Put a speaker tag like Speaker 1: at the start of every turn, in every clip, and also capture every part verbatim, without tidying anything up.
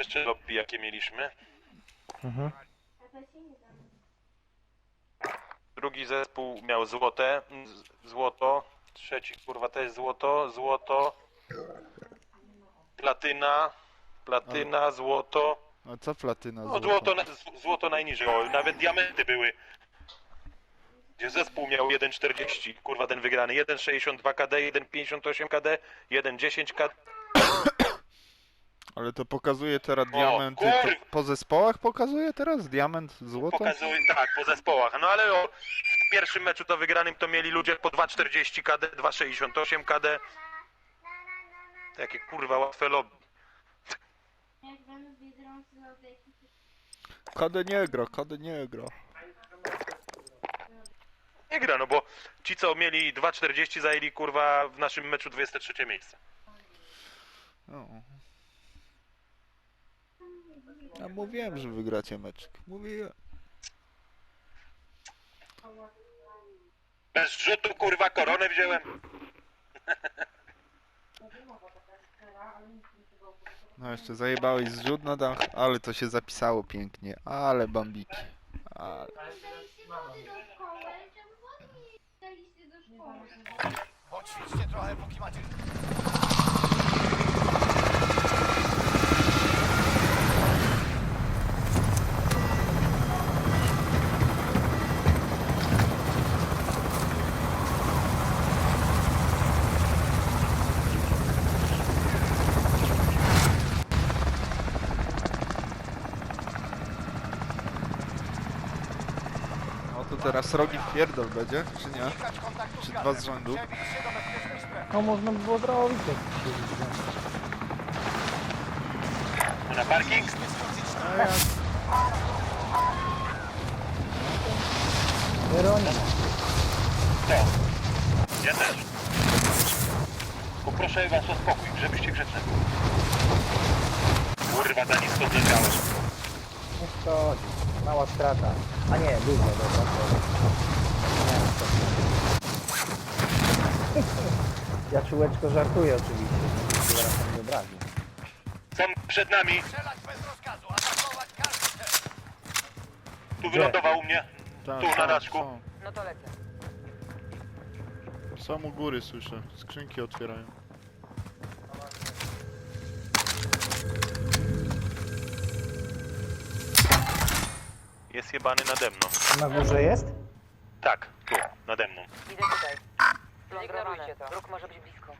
Speaker 1: Pierwsze lobby jakie mieliśmy.
Speaker 2: Mhm.
Speaker 1: Drugi zespół miał złote, z- złoto. Trzeci kurwa też złoto, złoto. Platyna, platyna, złoto.
Speaker 3: A co platyna
Speaker 1: No
Speaker 3: złota?
Speaker 1: złoto, na- z- złoto najniżej, o, nawet diamenty były. Gdzie zespół miał jeden czterdzieści, kurwa ten wygrany, jeden sześćdziesiąt dwa K D, jeden pięćdziesiąt osiem K D, jeden dziesięć K D.
Speaker 3: Ale to pokazuje teraz
Speaker 1: O,
Speaker 3: diamenty. To
Speaker 1: kur-
Speaker 3: po zespołach pokazuje teraz diament, złoto?
Speaker 1: Pokazuje, tak, po zespołach. No ale o, w pierwszym meczu to wygranym to mieli ludzie po dwa czterdzieści K D, dwa sześćdziesiąt osiem K D. Takie kurwa łatwe lobby.
Speaker 3: K D nie gra, K D nie gra.
Speaker 1: Nie gra, no bo ci co mieli dwa czterdzieści zajęli kurwa w naszym meczu dwudzieste trzecie miejsce.
Speaker 3: No. Ja mówiłem, że wygracie meczek. Mówiłem.
Speaker 1: Bez rzutu kurwa koronę wziąłem.
Speaker 3: No jeszcze zajebałeś zrzut na dach, ale to się zapisało pięknie. Ale bambiki. Ale...
Speaker 4: Poćwiczcie trochę, póki macie...
Speaker 3: No to teraz srogi pierdol będzie, czy nie?
Speaker 4: Unikać kontaktu z
Speaker 3: Czy
Speaker 4: gazem.
Speaker 3: dwa z rzędu?
Speaker 4: Przebić się do bezpiecznej strefy.
Speaker 2: No można by było zrobić jak się widzi.
Speaker 1: Na parking?
Speaker 3: A ja...
Speaker 2: Weronika.
Speaker 1: Co? Ja też. Poproszę was o spokój, żebyście grzeczne byli. Kurwa, za nisko zleciałeś.
Speaker 2: Nie szkodzi. Mała strata. A nie, dużo, dobra. To... Nie, to... Ja czułeczko żartuję oczywiście. Nie zaraz tam nie obrazi.
Speaker 1: Są przed nami.
Speaker 4: Strzelać bez rozkazu, atakować każdy cel.
Speaker 1: Tu wylądował u mnie.
Speaker 3: Tak,
Speaker 1: Tu, na
Speaker 3: są,
Speaker 1: daszku.
Speaker 3: są.
Speaker 5: No to lecę.
Speaker 3: Są u góry, słyszę. Skrzynki otwierają.
Speaker 1: Jest jebany nade mną.
Speaker 2: Na górze jest?
Speaker 1: Tak, tu, nade mną.
Speaker 5: Idę tutaj. Ignorujcie to. Róg może być blisko.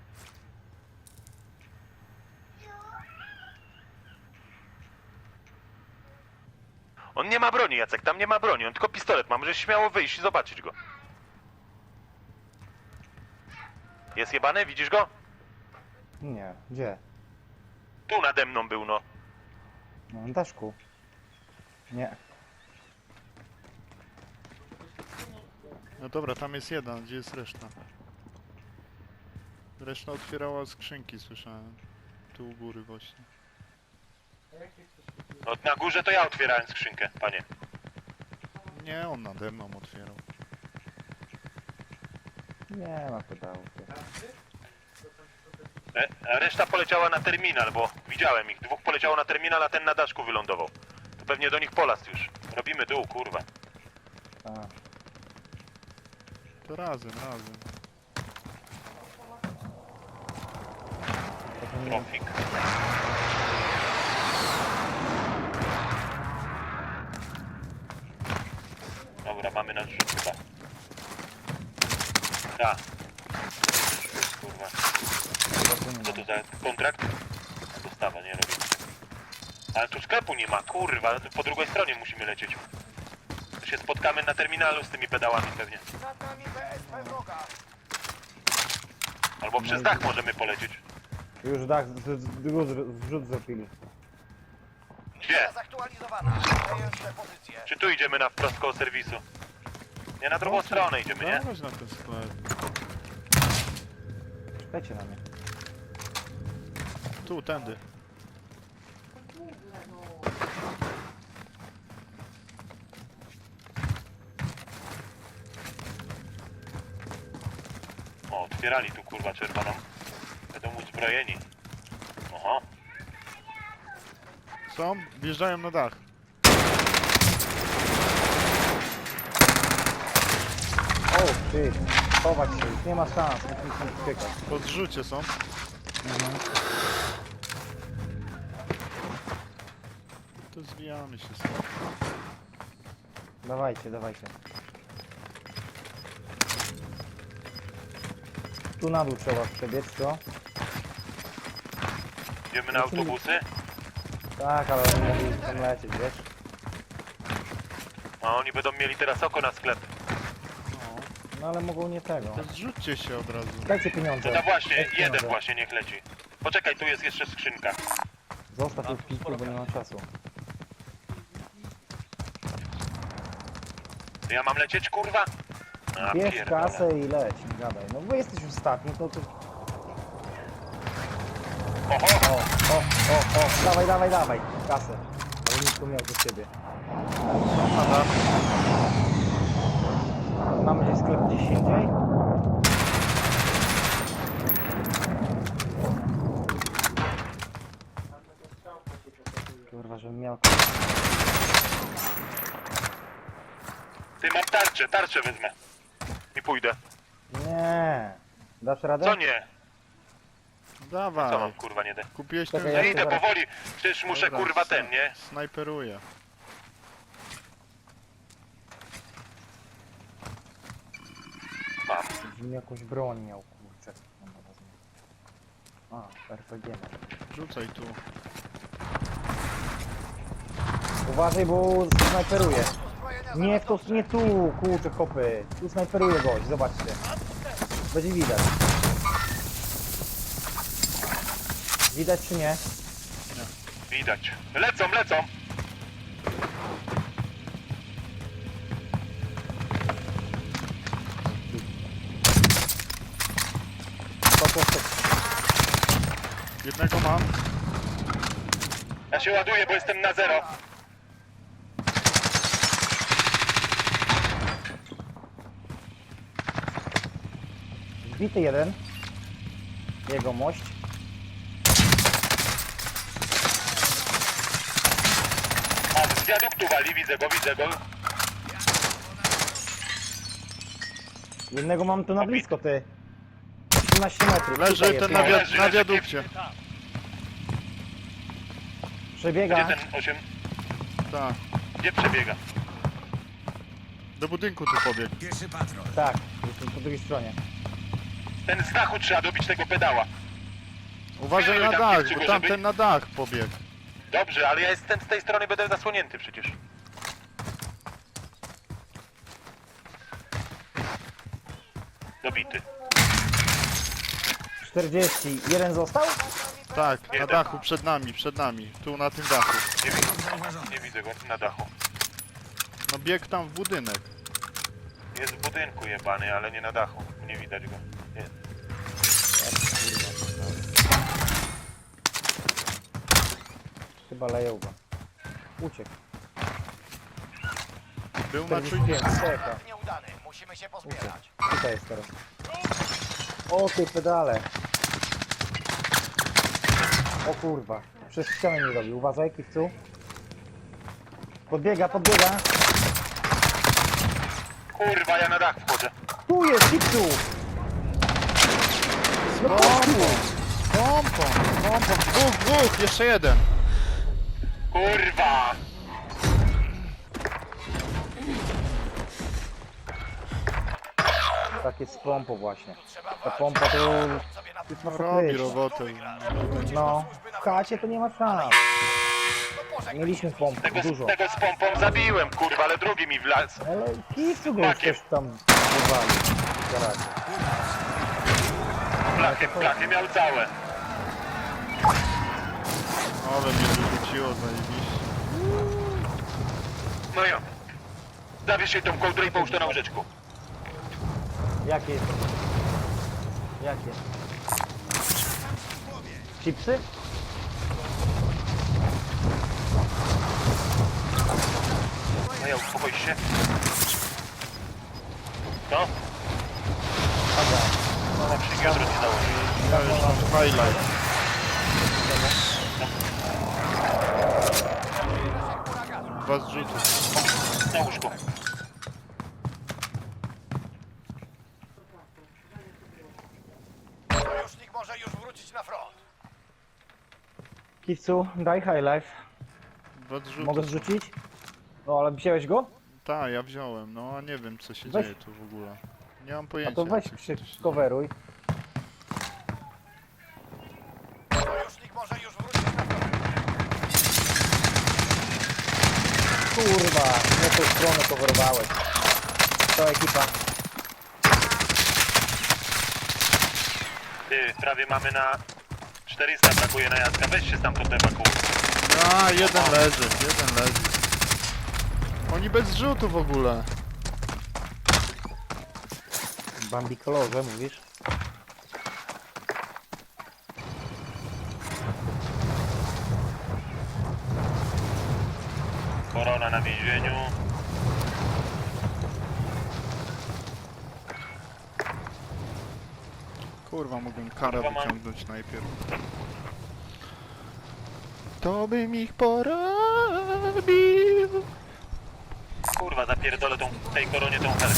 Speaker 1: On nie ma broni, Jacek, tam nie ma broni, on tylko pistolet ma, możesz śmiało wyjść i zobaczyć go. Jest jebany, widzisz go?
Speaker 2: Nie. Gdzie?
Speaker 1: Tu nade mną był, no.
Speaker 2: No, na daszku. Nie.
Speaker 3: No dobra, tam jest jeden, gdzie jest reszta? Reszta otwierała skrzynki, słyszałem. Tu u góry właśnie.
Speaker 1: No na górze to ja otwierałem skrzynkę, panie.
Speaker 3: Nie, on nade mną otwierał.
Speaker 2: Nie ma pedału.
Speaker 1: E, a reszta poleciała na terminal, bo widziałem ich. Dwóch poleciało na terminal, a ten na daszku wylądował. To pewnie do nich polast już. Robimy dół, kurwa.
Speaker 2: A.
Speaker 3: To razem, razem.
Speaker 2: To nie...
Speaker 1: Trofik. Dobra, mamy nasz rzut chyba. Tak. Kurwa. Co to za kontrakt? Dostawa, nie robię. Ale tu sklepu nie ma, kurwa. Po drugiej stronie musimy lecieć. To się spotkamy na terminalu z tymi pedałami pewnie.
Speaker 4: Nad nami B S P wroga.
Speaker 1: Albo przez dach możemy polecieć.
Speaker 2: Już dach z- z- z- zrzut zrobili.
Speaker 1: Gdzie?
Speaker 4: Zaktualizowana. Zająć te pozycje.
Speaker 1: Czy tu idziemy na wprost koło serwisu? Nie, na drugą stronę idziemy, nie?
Speaker 3: Dawać na ten sklep.
Speaker 2: Czekajcie na mnie.
Speaker 3: Tu, tędy.
Speaker 1: O, otwierali tu kurwa czerwoną. Będą uzbrojeni. Oho.
Speaker 3: Są? Wjeżdżają na dach.
Speaker 2: O, ty. Chować się, już nie ma szans, musimy się uciekać.
Speaker 3: Po zrzucie są.
Speaker 2: Mhm.
Speaker 3: To zwijamy się stąd.
Speaker 2: Dawajcie, dawajcie. Tu na dół trzeba przebiec, co?
Speaker 1: Idziemy na autobusy?
Speaker 2: Tak, ale oni mogli tam lecieć, wiesz?
Speaker 1: A oni będą mieli teraz oko na sklep.
Speaker 3: No.
Speaker 2: No ale mogą nie tego.
Speaker 3: To zrzućcie się od razu.
Speaker 2: Dajcie pieniądze.
Speaker 1: No, no właśnie,
Speaker 2: Dajcie
Speaker 1: jeden
Speaker 2: pieniądze.
Speaker 1: właśnie niech leci. Poczekaj, tu jest jeszcze skrzynka.
Speaker 2: Zostaw tu w piku, bo nie ma czasu.
Speaker 1: Ja mam lecieć, kurwa? A,
Speaker 2: Bierz
Speaker 1: pierdolę.
Speaker 2: kasę i leć, nie gadaj. No bo jesteś ostatni, to tu...
Speaker 1: Oho!
Speaker 2: O, o, o, o, dawaj, dawaj, dawaj, kasę. Ale nic tu miał do ciebie.
Speaker 3: Są na dach.
Speaker 2: Mamy gdzieś sklep gdzieś indziej? Kurwa, żebym miał...
Speaker 1: Ty, mam tarczę, tarczę wezmę. I pójdę.
Speaker 2: Nie. Dasz radę?
Speaker 1: Co nie? Co mam,
Speaker 3: Dawaj.
Speaker 1: kurwa, nie da?
Speaker 3: Kupiłeś
Speaker 2: Czekaj,
Speaker 3: ten
Speaker 2: ja
Speaker 1: No
Speaker 3: zrzut?
Speaker 1: idę
Speaker 2: zaraz-
Speaker 1: powoli, przecież muszę,
Speaker 3: Dobra,
Speaker 1: kurwa,
Speaker 3: sna-
Speaker 1: ten, nie?
Speaker 3: Snajperuję.
Speaker 1: Mam.
Speaker 2: Żebym jakąś broń miał, kurczę. Dobra, wezmę. A, R P G. mam.
Speaker 3: Rzucaj tu.
Speaker 2: Uważaj, bo snajperuje.
Speaker 4: Uzbrojenia
Speaker 2: Nie,
Speaker 4: zaraz
Speaker 2: to
Speaker 4: dotrze.
Speaker 2: nie tu, kurczę, kopy. Tu snajperuje gość, zobaczcie. Będzie widać. Widać czy nie?
Speaker 1: Widać. Lecą, lecą!
Speaker 2: To, to, to.
Speaker 3: Jednego mam.
Speaker 1: Ja się ładuję, bo jestem na zero.
Speaker 2: Zbity jeden. Jego mość.
Speaker 1: A, z wiaduktu wali, widzę go, widzę go.
Speaker 2: Jednego mam tu na blisko, ty. trzynaście metrów.
Speaker 3: Leży
Speaker 2: tutaj
Speaker 3: ten
Speaker 2: jest,
Speaker 3: na,
Speaker 2: no.
Speaker 3: wi
Speaker 1: Leży,
Speaker 3: na
Speaker 1: leży,
Speaker 3: wiadukcie.
Speaker 2: Przebiega.
Speaker 1: Gdzie ten osiem?
Speaker 3: Tak.
Speaker 1: Gdzie przebiega?
Speaker 3: Do budynku tu pobiegł.
Speaker 2: Tak, jestem po drugiej stronie.
Speaker 1: Ten z dachu trzeba dobić tego pedała.
Speaker 3: Uważaj na
Speaker 1: Tam
Speaker 3: dach,
Speaker 1: przy
Speaker 3: bo
Speaker 1: górze
Speaker 3: tamten
Speaker 1: być?
Speaker 3: na dach pobiegł.
Speaker 1: Dobrze, ale ja jestem z tej strony, będę zasłonięty przecież. Dobity.
Speaker 2: czterdzieści. Jeden został?
Speaker 3: Tak, na
Speaker 1: Jeden.
Speaker 3: dachu, przed nami, przed nami. Tu na tym dachu.
Speaker 1: Nie widzę, nie widzę go na dachu.
Speaker 3: No biegł tam w budynek.
Speaker 1: Jest w budynku jebany, ale nie na dachu. Nie widać go. Nie.
Speaker 2: Chyba leją go. Uciekł.
Speaker 3: Był na
Speaker 2: czterdzieści
Speaker 3: czujniku.
Speaker 2: pięć. Czeka.
Speaker 4: Atak nieudany. Musimy się pozbierać.
Speaker 2: Tutaj jest teraz. O ty pedale. O kurwa. Przez ścianę nie robi. Uważaj, kiwcu. Podbiega, podbiega.
Speaker 1: Kurwa, ja na dach wchodzę.
Speaker 2: Tu jest, kiwcu. No
Speaker 3: Pompą! Pompą! Pompą! Dwóch, dwóch! Jeszcze jeden!
Speaker 1: Kurwa!
Speaker 2: tak jest z pompą właśnie.
Speaker 4: Trzeba
Speaker 2: Ta
Speaker 4: walczyć.
Speaker 2: pompa to
Speaker 4: Sobie na
Speaker 2: jest na
Speaker 3: No robi
Speaker 2: pokrycie.
Speaker 3: robotę.
Speaker 2: No, w chacie to nie ma szans.
Speaker 4: pożegnaj
Speaker 2: Mieliśmy
Speaker 4: się z
Speaker 2: pomp
Speaker 1: Tego,
Speaker 2: dużo.
Speaker 1: tego z pompą zabiłem, kurwa, ale drugi mi wlazł.
Speaker 2: Ale kiwcu go
Speaker 1: Makiem.
Speaker 2: już też tam wywali. Zaraz.
Speaker 1: Blachy, blachy miał całe.
Speaker 3: Ale mnie wyrzuciło zajebiście.
Speaker 1: No ja. Zabierz jej tą kołdrę i połóż to na łóżeczku.
Speaker 2: Jakie jest? Jakie? Chipsy?
Speaker 1: No ja, uspokój się. No,
Speaker 2: Aga.
Speaker 1: no na przyjdzie, jutro ci założę.
Speaker 3: Ja już mam highlight. Dwa zrzuty.
Speaker 1: Na łóżku.
Speaker 4: Sojusznik może już wrócić na front.
Speaker 2: Kiwcu, daj high life.
Speaker 3: Dwa zrzuty.
Speaker 2: Mogę zrzucić? No ale wziąłeś go?
Speaker 3: Tak, ja wziąłem, no a nie wiem co się
Speaker 2: Weź.
Speaker 3: dzieje tu w ogóle. Nie mam
Speaker 2: A
Speaker 3: pojęcia.
Speaker 2: to weź
Speaker 3: co- co
Speaker 2: przy
Speaker 3: się dzieje.
Speaker 2: coveruj.
Speaker 4: Sojusznik może już wrócić na front.
Speaker 2: Kurwa, nie tą stronę coverowałeś. To ekipa.
Speaker 1: Ty, prawie mamy na czterysta, brakuje na Jacka. Weź się stamtąd ewakuuj.
Speaker 3: A, jeden leży, jeden leży. Oni bez zrzutu w ogóle.
Speaker 2: Bambi kolorze, mówisz?
Speaker 1: Korona na więzieniu.
Speaker 3: Kurwa, mógłbym karę
Speaker 1: Kurwa, mam-
Speaker 3: wyciągnąć najpierw. To bym ich porobił.
Speaker 1: Kurwa, zapierdolę tą, tej koronie tą helkę.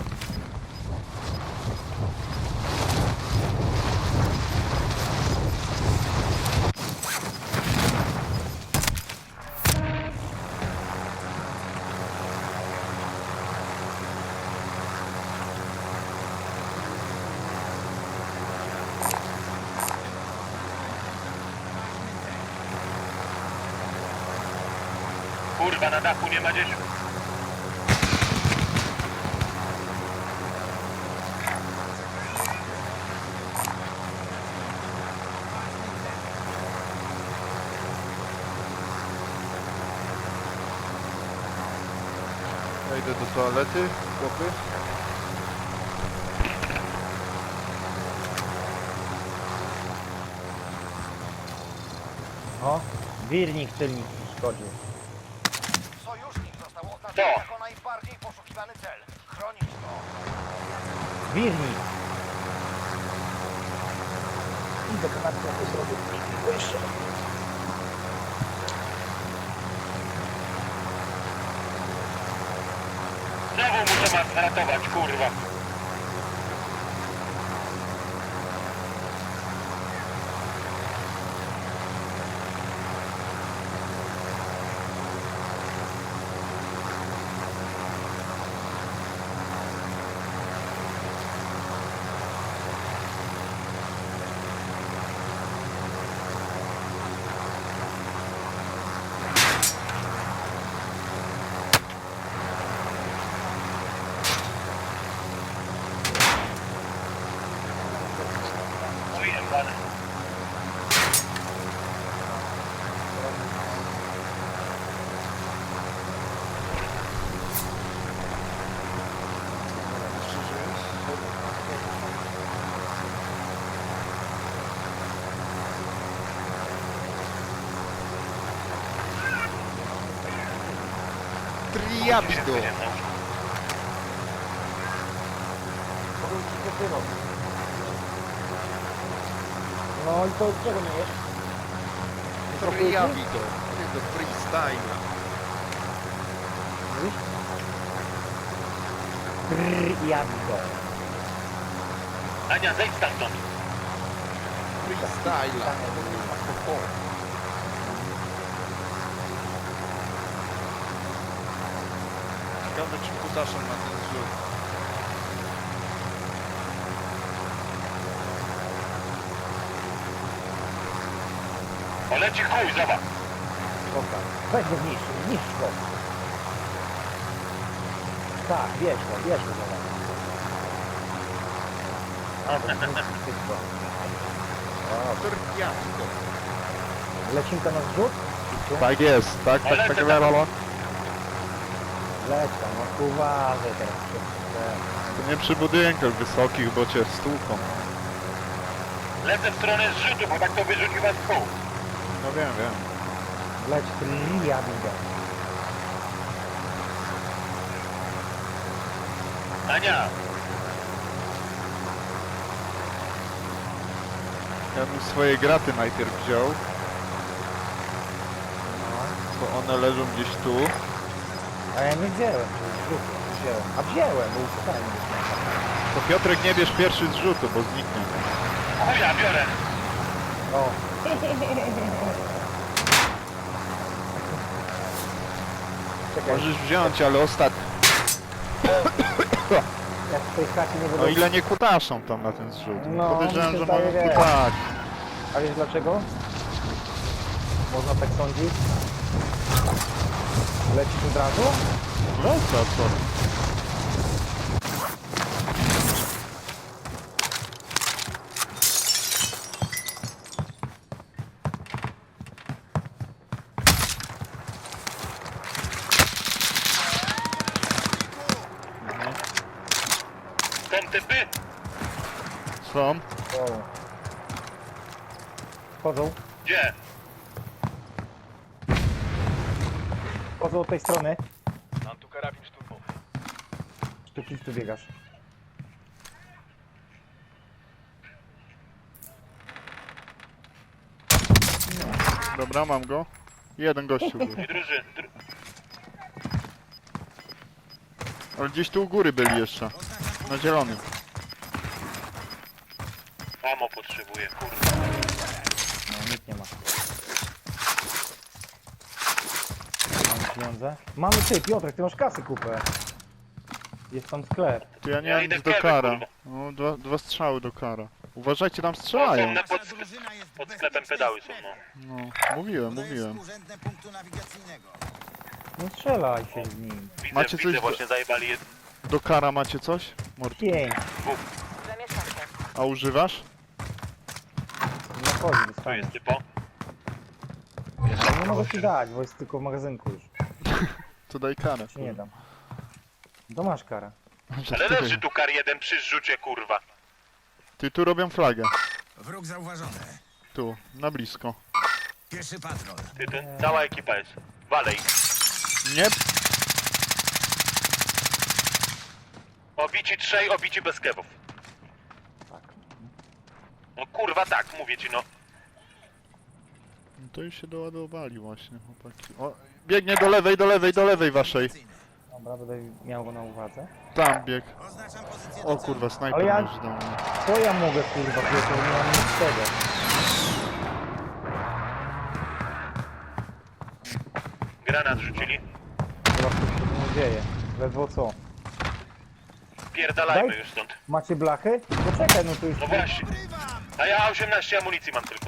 Speaker 1: Kurwa, na dachu nie ma gdzieś.
Speaker 3: Ja idę do toalety, chłopy.
Speaker 2: O, wirnik tylnik szkodził.
Speaker 4: Sojusznik został oznaczony
Speaker 1: Co?
Speaker 4: jako najbardziej poszukiwany cel. Chronić go.
Speaker 2: Wirnik! Idę kanapkę to zrobię. Jeszcze.
Speaker 1: Znowu muszę was ratować, kurwa. Ujebane.
Speaker 3: Jeszcze żyjesz? Triabido!
Speaker 2: No i to czego nie jest?
Speaker 3: Triabido! Tego freestyla.
Speaker 2: Mówisz? Brrr, ja go.
Speaker 1: Ania, zejdź stamtąd.
Speaker 3: Freestyla. Ciekawe czy kutaszem na ten zrzut.
Speaker 1: O, leci chuj, zobacz.
Speaker 2: Dobra. Weź go zniszcz, zniszcz go. Tak, bierz go, bierz go zobacz. A, to zniszcz wszystko. O,
Speaker 3: Triabido.
Speaker 2: lecinka na zrzut?
Speaker 3: Tak jest, tak, tak,
Speaker 1: Ale
Speaker 3: tak,
Speaker 1: to-
Speaker 3: Lolo.
Speaker 2: Leć tam, no uważaj teraz.
Speaker 3: To nie przy budynkach wysokich, bo cię stłuką.
Speaker 1: Lecę w stronę zrzutu, bo tak to wyrzuci was w pół.
Speaker 3: No wiem, wiem.
Speaker 2: Leć triabido.
Speaker 1: Ania,
Speaker 3: Ja bym swoje graty najpierw wziął,
Speaker 2: No.
Speaker 3: bo one leżą gdzieś tu.
Speaker 2: A ja nie wziąłem, zrzutu, wziąłem. A wziąłem, bo uciekałem.
Speaker 3: To Piotrek nie bierz pierwszy z rzutu, bo zniknie.
Speaker 1: O, ja biorę.
Speaker 2: O. Czekaj,
Speaker 3: Możesz wziąć, ale ostatni.
Speaker 2: jak w tej chacie nie
Speaker 3: O
Speaker 2: będą...
Speaker 3: ile nie kutaszą tam na ten zrzut.
Speaker 2: No,
Speaker 3: Podejrzewam,
Speaker 2: mi się
Speaker 3: że
Speaker 2: zdaje,
Speaker 3: mogą
Speaker 2: wiesz.
Speaker 3: kutać.
Speaker 2: A wiesz dlaczego? Można tak sądzić? Lecisz od razu?
Speaker 3: No co, co?
Speaker 1: Są typy?
Speaker 3: Są?
Speaker 2: O. Wchodzą.
Speaker 1: Gdzie?
Speaker 2: Wchodzą od tej strony.
Speaker 4: Mam tu karabin szturmowy.
Speaker 2: Tu gdzieś tu biegasz.
Speaker 3: Dobra, mam go. Jeden gościu był.
Speaker 1: I druży. Dru...
Speaker 3: Ale gdzieś tu u góry byli jeszcze. Na zielonym.
Speaker 1: Amo potrzebuję, kurwa.
Speaker 2: No, nikt nie ma. Mamy pieniądze? Mamy ty, Piotrek, ty masz kasy kupę. Jest tam sklep.
Speaker 3: To ja nie
Speaker 1: Ja
Speaker 3: mam
Speaker 1: idę
Speaker 3: nic do
Speaker 1: w
Speaker 3: kara.
Speaker 1: kurwa.
Speaker 3: No, dwa, dwa strzały do kara. Uważajcie, tam
Speaker 1: Są
Speaker 3: strzelają.
Speaker 1: na pod, pod sklepem pedały są, no.
Speaker 3: No, mówiłem, mówiłem.
Speaker 4: Urzędne punktu nawigacyjnego.
Speaker 2: No strzelaj się z nim.
Speaker 1: Widzę,
Speaker 3: Macie
Speaker 1: widzę,
Speaker 3: coś-
Speaker 1: właśnie zajebali jed...
Speaker 3: Do kara macie coś? Mord.
Speaker 2: Pięć.
Speaker 5: Zamieszkam się.
Speaker 3: A używasz?
Speaker 2: No chodzi,
Speaker 1: Tu
Speaker 2: dostaniesz.
Speaker 1: jest typo.
Speaker 2: Ale nie mogę ci dać, bo jest tylko w magazynku już.
Speaker 3: To daj karę.
Speaker 2: Ci nie dam. To masz karę.
Speaker 1: Ale leży tu kar jeden przy zrzucie, kurwa.
Speaker 3: Ty tu robią flagę.
Speaker 4: Wróg zauważony.
Speaker 3: Tu, na blisko.
Speaker 4: Pieszy patrol.
Speaker 1: Ty, to cała ekipa jest. Walej.
Speaker 3: Nie?
Speaker 1: Obici trzej, obici bez kebów.
Speaker 2: Tak.
Speaker 1: No kurwa tak, mówię ci, no.
Speaker 3: No to już się doładowali właśnie, chłopaki. O, biegnie do lewej, do lewej, do lewej waszej.
Speaker 2: Dobra, będę miał go na uwadze.
Speaker 3: Tam bieg.
Speaker 4: Oznaczam pozycję
Speaker 3: O
Speaker 4: do
Speaker 3: kurwa, snajper
Speaker 2: Ale ja-
Speaker 3: leży do mnie.
Speaker 2: Co ja mogę kurwa, Piotr, nie mam nic z tego.
Speaker 1: Granat rzucili.
Speaker 2: Chyba coś się nie dzieje. Ledwo co.
Speaker 1: Pierdalajmy
Speaker 2: Daj.
Speaker 1: już stąd.
Speaker 2: Macie blachy? Poczekaj, no to już...
Speaker 1: No właśnie. A ja osiemnaście amunicji mam tylko.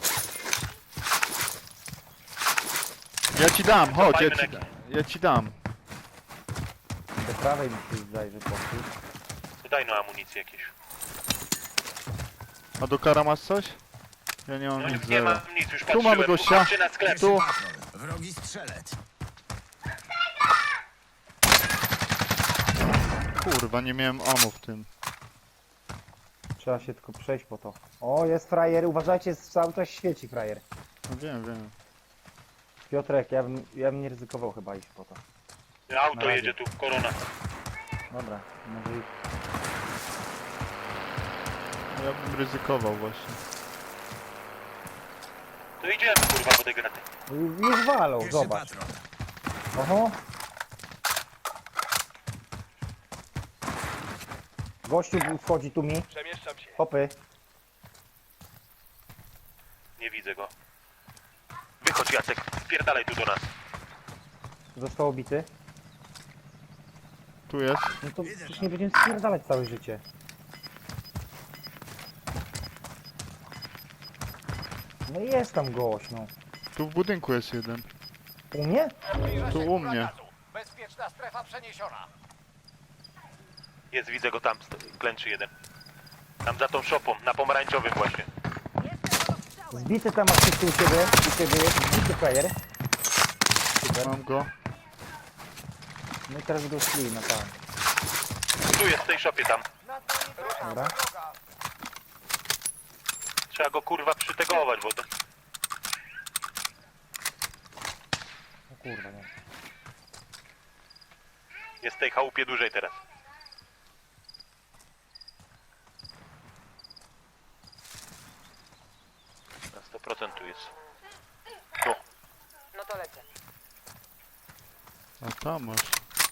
Speaker 3: Ja ci dam, chodź, ja
Speaker 1: Cofajmy
Speaker 3: ci,
Speaker 1: na-
Speaker 3: ja ci dam.
Speaker 2: Do prawej mi się zdaje, że poszli.
Speaker 1: To daj no amunicję jakieś.
Speaker 3: A do kara masz coś? Ja nie mam
Speaker 1: No
Speaker 3: nic,
Speaker 1: nie
Speaker 3: zero.
Speaker 1: mam nic, już
Speaker 3: Tu
Speaker 1: patrzyłem.
Speaker 3: mamy gościa.
Speaker 1: Chodźcie na sklep.
Speaker 3: Tu.
Speaker 4: patrol. Wrogi strzelec.
Speaker 3: Kurwa, nie miałem ammo w tym.
Speaker 2: Trzeba się tylko przejść po to. O, jest frajer, uważajcie, jest cały czas świeci frajer.
Speaker 3: No wiem, wiem.
Speaker 2: Piotrek, ja bym, ja bym nie ryzykował chyba iść po to. Na
Speaker 1: Auto
Speaker 2: razie.
Speaker 1: jedzie tu, korona.
Speaker 2: Dobra, może iść.
Speaker 3: Ja bym ryzykował właśnie.
Speaker 1: To idziemy kurwa po tej graty.
Speaker 2: Już- Już walą,
Speaker 4: Pieszy
Speaker 2: zobacz.
Speaker 4: patrol.
Speaker 2: Oho. Gościu wchodzi tu mi.
Speaker 4: Przemieszczam się.
Speaker 2: Hopy.
Speaker 1: Nie widzę go. Wychodź Jacek, spierdalaj tu do nas.
Speaker 2: Został obity.
Speaker 3: Tu jest.
Speaker 2: No to przecież nie będziemy spierdalać całe życie. No i jest tam gość, no.
Speaker 3: Tu w budynku jest jeden.
Speaker 2: U mnie?
Speaker 4: Zbliża
Speaker 3: Tu
Speaker 4: się
Speaker 3: u
Speaker 4: góra
Speaker 3: mnie.
Speaker 4: gazu. Bezpieczna strefa przeniesiona.
Speaker 1: Jest, widzę go tam, sto- klęczy jeden. Tam za tą szopą, na pomarańczowym właśnie.
Speaker 2: Zbity tam masz wszyscy u ciebie. U ciebie jest zbity player. Super.
Speaker 3: Mam go.
Speaker 2: No i teraz go szli na pan.
Speaker 1: Tu jest, w tej szopie tam.
Speaker 2: Dobra.
Speaker 1: Trzeba go kurwa przytegować, bo to...
Speaker 2: O kurwa, nie.
Speaker 1: Jest w tej chałupie dłużej teraz. Na sto procent tu jest. Tu.
Speaker 5: No to lecę.
Speaker 3: A tam masz.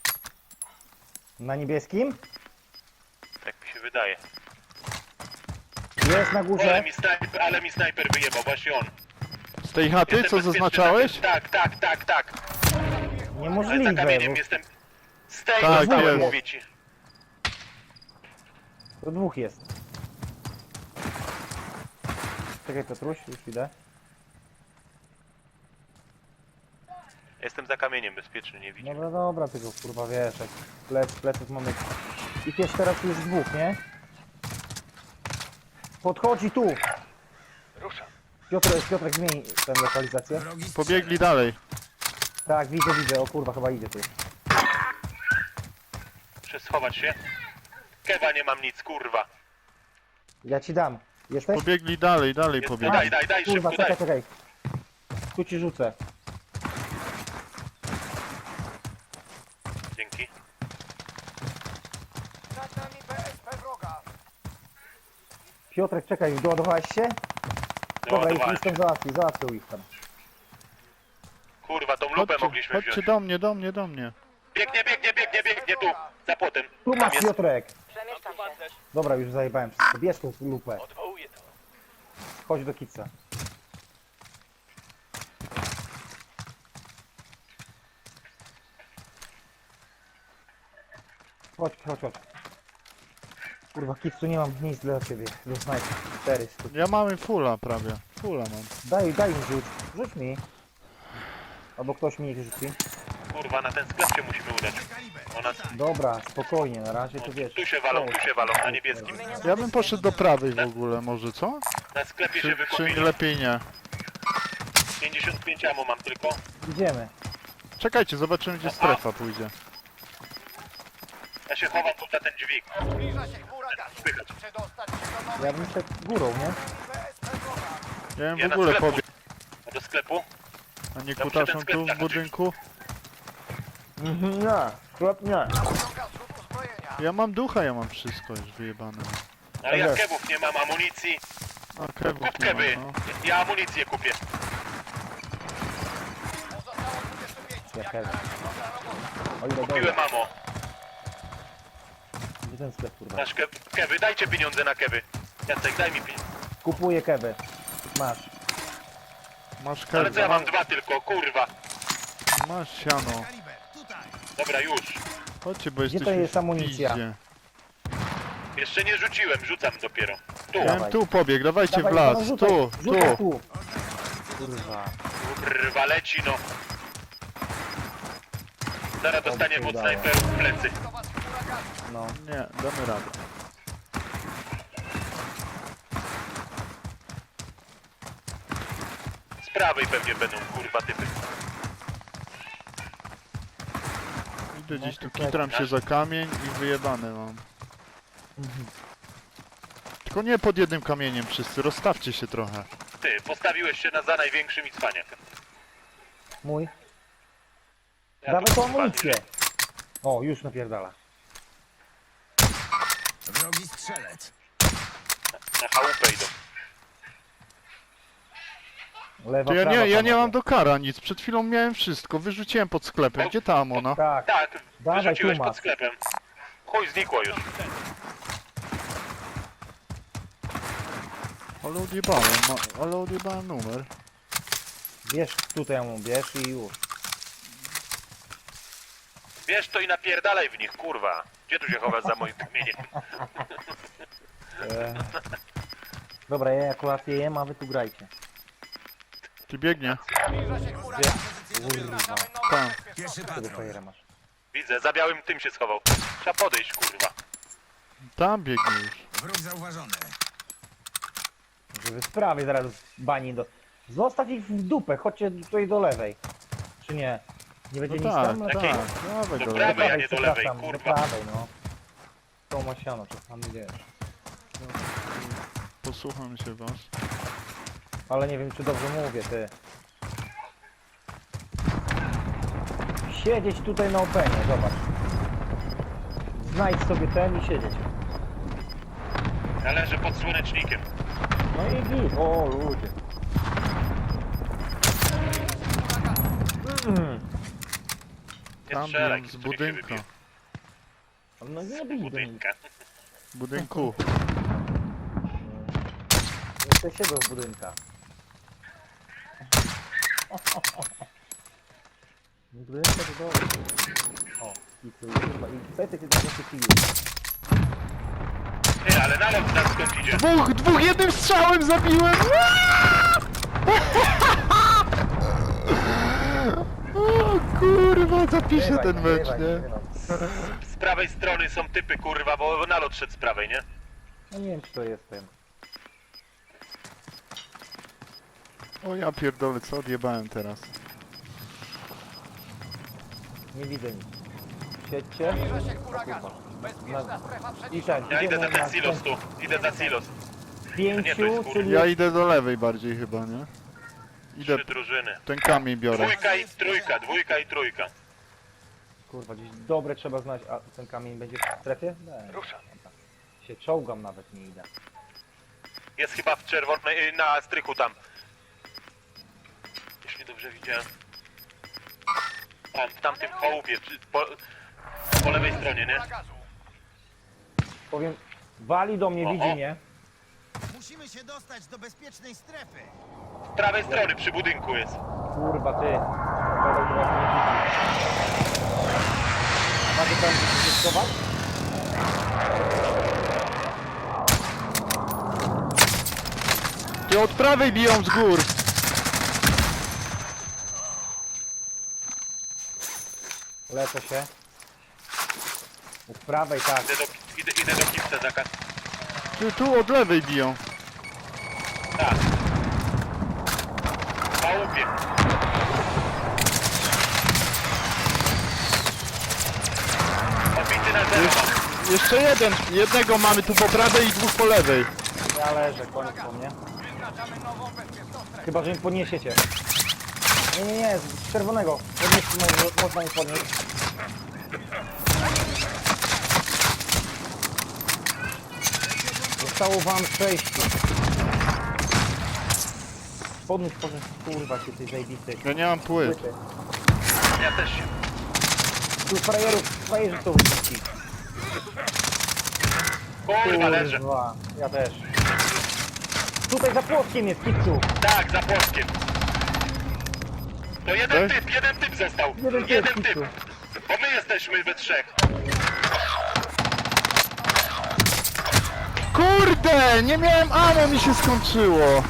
Speaker 2: Na niebieskim?
Speaker 1: Tak mi się wydaje.
Speaker 2: Jest na
Speaker 1: Ale
Speaker 2: górze.
Speaker 1: mi snajper, ale mi snajper wyjebał, właśnie on.
Speaker 3: Z tej chaty,
Speaker 1: Jestem
Speaker 3: co
Speaker 1: bezpieczny
Speaker 3: zaznaczałeś?
Speaker 1: na tym- Tak, tak, tak, tak. Ale za
Speaker 2: Niemożliwe,
Speaker 1: kamieniem
Speaker 2: bo
Speaker 1: jestem. Z tej
Speaker 3: Tak,
Speaker 1: dostałem,
Speaker 3: jest.
Speaker 1: mówię ci.
Speaker 2: to dwóch jest. Czekaj, Piotruś, już idę.
Speaker 1: Jestem za kamieniem bezpieczny, nie widzę.
Speaker 2: Dobra, dobra, tylko kurwa wiesz, jak plec, pleców mamy... Ich jest teraz już dwóch, nie? Podchodzi tu!
Speaker 1: Ruszam.
Speaker 2: Piotrek, Piotrek, zmień tę lokalizację.
Speaker 4: Wrogi
Speaker 3: Pobiegli dalej.
Speaker 2: Tak, widzę, widzę, o kurwa, chyba idzie tu.
Speaker 1: Muszę schować się. Kewa nie mam nic, kurwa.
Speaker 2: Ja ci dam. Jesteś?
Speaker 3: Pobiegli dalej, dalej
Speaker 1: Jest,
Speaker 3: pobiegli.
Speaker 1: daj, daj, daj,
Speaker 2: Kurwa,
Speaker 1: szybko, daj.
Speaker 2: czekaj, czekaj. Tu ci rzucę.
Speaker 1: Dzięki.
Speaker 4: Nad nami B S P wroga.
Speaker 2: Piotrek, czekaj, doładowałeś się? Dobra, już
Speaker 1: Doładowałem
Speaker 2: już tam
Speaker 1: się.
Speaker 2: załatwił, załatwił ich tam.
Speaker 1: Kurwa, tą lupę
Speaker 3: Chodźcie,
Speaker 1: mogliśmy
Speaker 3: chodźcie
Speaker 1: wziąć.
Speaker 3: do mnie, do mnie, do mnie.
Speaker 1: Biegnie, biegnie, biegnie, biegnie tu. Za płotem.
Speaker 2: Tu
Speaker 1: Tam
Speaker 2: masz,
Speaker 1: jest.
Speaker 2: Piotrek!
Speaker 5: Przemieszczam się.
Speaker 2: Dobra, już zajebałem wszystko. Bierz tą lupę.
Speaker 1: Odwołuję to.
Speaker 2: Chodź do kica. Chodź, chodź, chodź. Kurwa, kicu nie mam nic dla ciebie. Do snajpy. Cztery sztuki.
Speaker 3: Ja mamy fulla prawie. Fulla mam.
Speaker 2: Daj, daj mi rzuć. Rzuć mi. Albo ktoś mi niech rzuci.
Speaker 1: Kurwa, na ten sklep się musimy udać. Ona...
Speaker 2: Dobra, spokojnie, na razie to wiesz.
Speaker 1: Tu się walą, tu się walą, na niebieskim.
Speaker 3: Ja bym poszedł do prawej w ogóle, może co?
Speaker 1: Na sklepie się
Speaker 3: Czy, czy
Speaker 1: wykupili.
Speaker 3: lepiej nie?
Speaker 1: pięćdziesiąt pięć ammo mam tylko.
Speaker 2: Idziemy.
Speaker 3: Czekajcie, zobaczymy gdzie strefa pójdzie.
Speaker 1: Ja się chowam tu za ten dźwig.
Speaker 4: Zbliża się chmura gazu.
Speaker 1: Spychać.
Speaker 4: Przedostać się do nowej
Speaker 2: Ja bym szedł górą, nie?
Speaker 4: B S P wroga.
Speaker 3: Ja bym
Speaker 1: Ja
Speaker 3: w
Speaker 1: na
Speaker 3: ogóle
Speaker 1: sklepu.
Speaker 3: pobiegł,
Speaker 1: A do sklepu?
Speaker 3: a nie
Speaker 1: Ja muszę
Speaker 3: kutaszą
Speaker 1: ten sklep
Speaker 3: tu w
Speaker 1: zahaczyć.
Speaker 3: budynku.
Speaker 2: Mhm, nie. Sklep nie.
Speaker 4: Nadciąga zrzut uzbrojenia.
Speaker 3: Ja mam ducha, ja mam wszystko już wyjebane.
Speaker 1: Ale ja
Speaker 2: Dobra.
Speaker 1: kebów nie mam, amunicji.
Speaker 3: A kewów
Speaker 1: Kup
Speaker 3: nie
Speaker 1: kewy.
Speaker 3: mam, no.
Speaker 1: Ja amunicję kupię.
Speaker 4: Pozostało dwudziestu pięciu.
Speaker 2: Ja
Speaker 4: Jak
Speaker 2: też.
Speaker 4: na razie dobra robota.
Speaker 2: O ile
Speaker 1: Kupiłem
Speaker 2: dobra.
Speaker 1: ammo.
Speaker 2: Gdzie ten sklep, kurwa?
Speaker 1: Nasz ke kewy, dajcie pieniądze na kewy. Jacek, daj mi pieniądze.
Speaker 2: Kupuję keby. Masz.
Speaker 3: Masz
Speaker 1: Ale co ja
Speaker 3: kewy,
Speaker 1: mam dwa tylko, kurwa.
Speaker 3: masz siano.
Speaker 1: Dobra, już.
Speaker 3: Chodźcie, bo
Speaker 2: Gdzie
Speaker 3: jesteśmy
Speaker 2: to jest
Speaker 3: w
Speaker 2: amunicja?
Speaker 3: piździe.
Speaker 1: Jeszcze nie rzuciłem, rzucam dopiero. Tu.
Speaker 3: Ja
Speaker 2: Dawaj.
Speaker 3: bym tu pobiegł, dawajcie w
Speaker 2: Dawaj,
Speaker 3: las,
Speaker 2: no, rzucaj,
Speaker 3: tu,
Speaker 2: rzucaj
Speaker 3: tu.
Speaker 2: tu. Kurwa.
Speaker 1: Kurwa, leci no. Zaraz dostaniemy od
Speaker 2: udało.
Speaker 1: snajperów w plecy.
Speaker 4: Do was chmura gazu.
Speaker 2: No.
Speaker 3: Nie, damy radę.
Speaker 1: Z prawej pewnie będą, kurwa, typy.
Speaker 3: Idę gdzieś tu,
Speaker 2: czekaj.
Speaker 3: kitram się za kamień i wyjebane mam. Tylko nie pod jednym kamieniem wszyscy, rozstawcie się trochę.
Speaker 1: Ty, postawiłeś się na za największym i cwaniak.
Speaker 2: Mój.
Speaker 1: Ja
Speaker 2: Dawaj
Speaker 1: tu,
Speaker 2: tą
Speaker 1: kurwa,
Speaker 2: amunicję. O, już napierdala.
Speaker 4: Wrogi strzelec.
Speaker 1: Na chałupę idą.
Speaker 2: Lewa,
Speaker 3: To ja
Speaker 2: prawa,
Speaker 3: nie, ja nie
Speaker 2: panowie.
Speaker 3: mam do kara nic, przed chwilą miałem wszystko, wyrzuciłem pod sklepem, gdzie ta amona?
Speaker 2: Tak.
Speaker 1: Tak,
Speaker 2: Dawaj,
Speaker 1: wyrzuciłeś
Speaker 2: tu masz.
Speaker 1: pod sklepem. Chuj, znikło już.
Speaker 3: Ale odjebałem, ma, ale odjebałem numer.
Speaker 2: Bierz tutaj mu, bierz i już.
Speaker 1: Wiesz to i napierdalaj w nich, kurwa. Gdzie tu się chowasz za moim kamieniem?
Speaker 2: E... Dobra, ja akurat je jem, a wy tu grajcie.
Speaker 3: Ty biegnie.
Speaker 4: Zbliża się chmura
Speaker 2: Gdzie?
Speaker 4: gazu.
Speaker 2: Kurwa.
Speaker 4: Wyznaczamy nowe
Speaker 3: Tam.
Speaker 4: bezpieczne
Speaker 2: Tego fajera masz.
Speaker 1: Widzę, za białym tym się schował. Trzeba podejść, kurwa.
Speaker 3: Tam biegnie już.
Speaker 4: Wróg zauważony.
Speaker 2: Żeby sprawie zaraz bani do... Zostaw ich w dupę, chodźcie tutaj do lewej. Czy nie? Nie będzie
Speaker 3: No
Speaker 2: nic
Speaker 3: tak,
Speaker 2: tam? No
Speaker 3: tak,
Speaker 1: Takiej-
Speaker 3: dawaj
Speaker 1: do
Speaker 3: go.
Speaker 1: prawej.
Speaker 3: lewej.
Speaker 1: a nie do lewej,
Speaker 2: przepraszam,
Speaker 1: kurwa.
Speaker 2: Do prawej, no. To masiano, czasami wiesz.
Speaker 3: Posłucham się was.
Speaker 2: Ale nie wiem, czy dobrze mówię, ty. Siedzieć tutaj na openie, zobacz. Znajdź sobie ten i siedzieć.
Speaker 1: Należy pod słonecznikiem.
Speaker 2: No i git. O, ludzie. Mm.
Speaker 3: Tam
Speaker 1: strzelaj,
Speaker 3: biją z
Speaker 1: tu niech się
Speaker 3: budynku.
Speaker 1: wybije.
Speaker 2: No nie bij do nich.
Speaker 1: Budynka.
Speaker 3: Budynku.
Speaker 2: Nie chcę siedzą w budynkach. Budynka to dobrze. O, i tu chyba. I Petek jest na kiju.
Speaker 1: Ty, ale nalot nas skąd idzie?
Speaker 3: Dwóch, dwóch jednym strzałem zabiłem! O kurwa, zapiszę ten mecz, nie?
Speaker 1: Z prawej strony są typy, kurwa, bo nalot szedł z prawej, nie?
Speaker 2: No nie wiem, czy to jestem.
Speaker 3: O ja pierdolę, co odjebałem teraz?
Speaker 2: Nie widzę nic. Siedźcie.
Speaker 4: Zbliża się chmura gazu. Bezpieczna
Speaker 2: Na-
Speaker 4: strefa
Speaker 2: I
Speaker 4: przeniesiona.
Speaker 2: tak,
Speaker 1: Ja idę za
Speaker 2: idziemy
Speaker 1: ten
Speaker 2: na
Speaker 1: silos tu. Idę za silos. Nie, to
Speaker 2: pięciu,
Speaker 1: jest kur-
Speaker 2: czyli
Speaker 3: Ja idę do lewej bardziej chyba, nie? Idę,
Speaker 1: Trzy drużyny.
Speaker 3: ten kamień biorę.
Speaker 1: Dwójka i trójka, dwójka i trójka.
Speaker 2: kurwa, gdzieś dobre trzeba znać, a ten kamień będzie w strefie? Nie.
Speaker 1: Rusza.
Speaker 2: Się czołgam nawet, nie idę.
Speaker 1: Jest chyba w czerwonej, y, na strychu tam. Jeśli dobrze widziałem. Tam, w tamtym chałupie, przy- po, po lewej stronie, nie?
Speaker 4: Chmura gazu.
Speaker 2: Powiem, wali do mnie,
Speaker 1: O,
Speaker 2: widzi
Speaker 1: o.
Speaker 2: mnie.
Speaker 6: Musimy się dostać do bezpiecznej strefy.
Speaker 1: Z prawej strony przy budynku jest.
Speaker 2: Kurwa, ty. Paweł do was nie widzi. Macie tam gdzieś schować?
Speaker 3: Ty od prawej biją z gór!
Speaker 2: Lecę się. U prawej, tak.
Speaker 1: Idę do, idę, idę do kipca zakaz.
Speaker 3: Ty tu od lewej biją.
Speaker 1: Tak. W chałupie. Obity na zero.
Speaker 3: Jeszcze, jeszcze jeden, jednego mamy tu po prawej i dwóch po lewej.
Speaker 2: Ja leżę, koniec po mnie.
Speaker 4: Wyznaczamy nową bezpieczną strefę.
Speaker 2: Chyba, że mi podniesiecie. Nie, nie, nie, z czerwonego. Podnieść, mo- można mi podnieść. Zostało wam sześciu. Podnieś, podnieś, kurwa, się tej zajebistej.
Speaker 3: Ja nie mam płyt.
Speaker 2: Płyty.
Speaker 1: Ja też się.
Speaker 2: Tu frajerów, frajerzy są wrzuci.
Speaker 1: Kurwa, leżę.
Speaker 2: Kurwa, ja też. Tutaj za płotkiem jest, kipcu.
Speaker 1: Tak, za płotkiem. To jeden
Speaker 3: Tak?
Speaker 1: typ, jeden typ został.
Speaker 2: Jeden
Speaker 1: Jeden,
Speaker 2: typ,
Speaker 1: typ.
Speaker 2: Kicu.
Speaker 1: Bo my jesteśmy we trzech.
Speaker 3: Kurde, nie miałem ammo, mi się skończyło.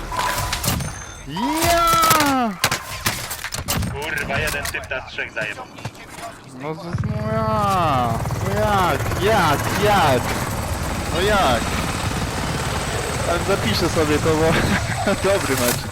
Speaker 3: Ja!
Speaker 1: Kurwa, jeden typ nas trzech zajebał.
Speaker 3: No, z- no ja! No jak, jak, jak? No jak? Ale zapiszę sobie to, bo dobry mecz.